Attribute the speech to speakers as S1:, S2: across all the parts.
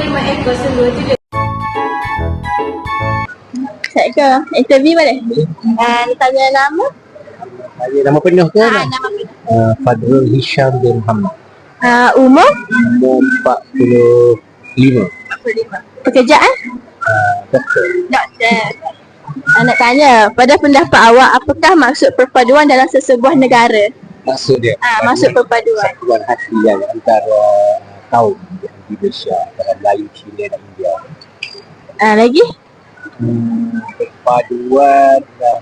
S1: 25 ekor sungguh tu dia.
S2: Saya ke interview boleh? Tanya nama?
S3: Saya nama penuh ke?
S2: Nama penuh.
S3: Fadrul Hisham bin Muhammad.
S2: Umur?
S3: Umur 45.
S2: 45. Pekerjaan?
S3: Doktor.
S2: Doktor. Nak tanya, pada pendapat awak, apakah maksud perpaduan dalam sesebuah negara?
S3: Maksud dia?
S2: Maksud perpaduan.
S3: Satuan hati yang antara kaum di Indonesia, antara Melayu, Cina dan India.
S2: Lagi?
S3: Perpaduan dan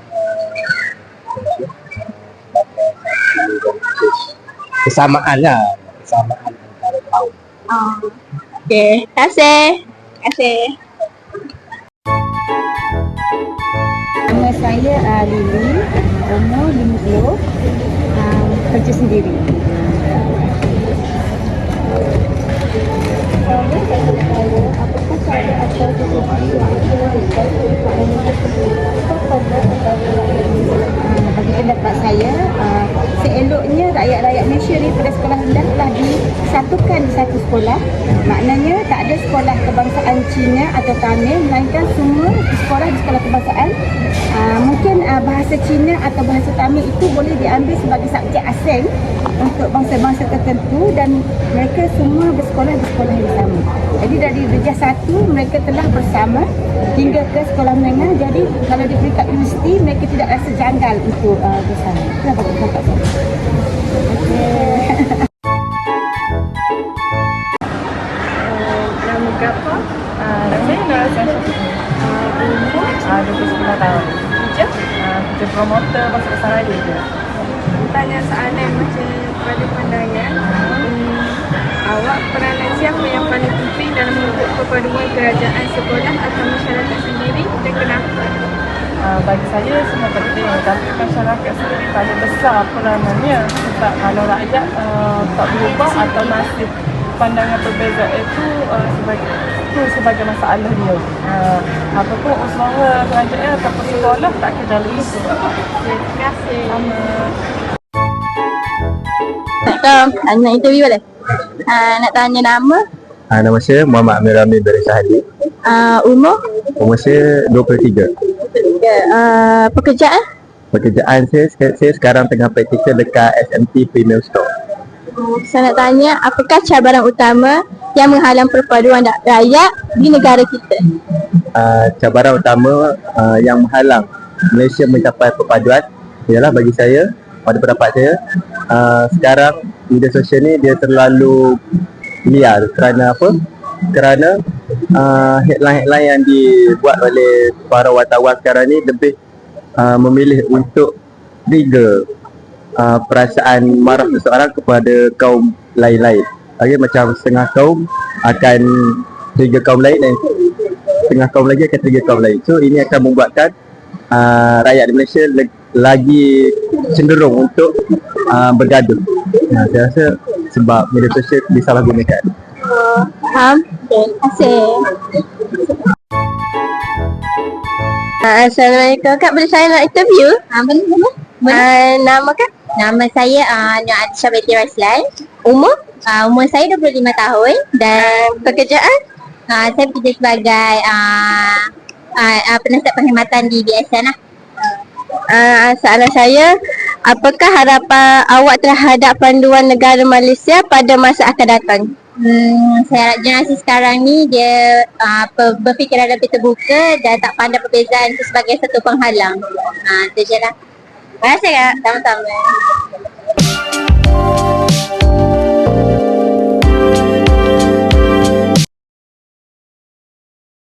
S3: sebagai satu kesamaan lah. Kesamaan antara kaum.
S2: Okey, terima kasih. Terima kasih.
S4: Nama saya Lily, umur 50, kerja sendiri. Apakah saya atau sesuatu bagi pendapat saya, seeloknya rakyat-rakyat Malaysia daripada sekolah rendah telah disatukan di satu sekolah. Maknanya tak ada sekolah kebangsaan Cina atau Tamil, melainkan semua sekolah di sekolah kebangsaan. Mungkin bahasa Cina atau bahasa Tamil itu boleh diambil sebagai subjek asing untuk bangsa-bangsa tertentu dan mereka semua bersekolah di sekolah yang sama. Jadi dari darjah 1 mereka telah bersama hingga ke sekolah menengah. Jadi kalau di peringkat universiti mereka tidak rasa janggal untuk bersama. Kenapa pendapat saya?
S5: Nama berapa? Saya Nora Syamsuddin. Umur 29 tahun. Kerja promoter pasal besar radio je.
S1: Tanya soalan macam pada pandangan, awak peranan siapa yang paling penting dalam membentuk perpaduan kerajaan sekolah atau masyarakat sendiri dan kenapa?
S5: Bagi saya semua penting, tapi masyarakat sendiri paling besar peranannya. Sebab kalau rakyat tak berubah atau masih pandangan perbezaan itu sebagai masalah dia. Apapun usaha kerajaan ataupun sekolah tak kena lagi.
S1: Terima kasih.
S2: Nak interview boleh? Nak tanya nama?
S3: Nama saya Muhammad Amir Ramil dari Syahadi.
S2: Umur?
S3: Umur saya 23.
S2: Pekerjaan?
S3: Pekerjaan saya sekarang tengah praktikal dekat SMT Premier Store.
S2: Saya nak tanya, apakah cabaran utama yang menghalang perpaduan rakyat di negara kita?
S3: Cabaran utama yang menghalang Malaysia mencapai perpaduan ialah bagi saya, pada pendapat saya, sekarang media sosial ni dia terlalu liar. Kerana apa? Kerana headline-headline yang dibuat oleh para wartawan sekarang ni lebih memilih untuk trigger perasaan marah seseorang kepada kaum lain-lain. Macam setengah kaum akan trigger kaum lain dan setengah kaum lagi akan trigger kaum lain. So ini akan membuatkan rakyat di Malaysia lagi cenderung untuk bergaduh. Saya rasa sebab media sosial disalahgunakan.
S2: Faham? Terima kasih. Assalamualaikum Kak, boleh saya nak interview? Boleh. Nama Kak?
S6: Nama saya Nur Adisha Betty Raslan.
S2: Umur?
S6: Umur saya 25 tahun.
S2: Dan pekerjaan?
S6: Saya bekerja sebagai penasihat perkhidmatan di BSN lah.
S2: Soalan saya, apakah harapan awak terhadap panduan negara Malaysia pada masa akan datang?
S6: Saya harap generasi sekarang ni dia berfikiran lebih terbuka dan tak pandang perbezaan itu sebagai satu penghalang. Itu je lah. Terima kasih Kak. Sama-sama.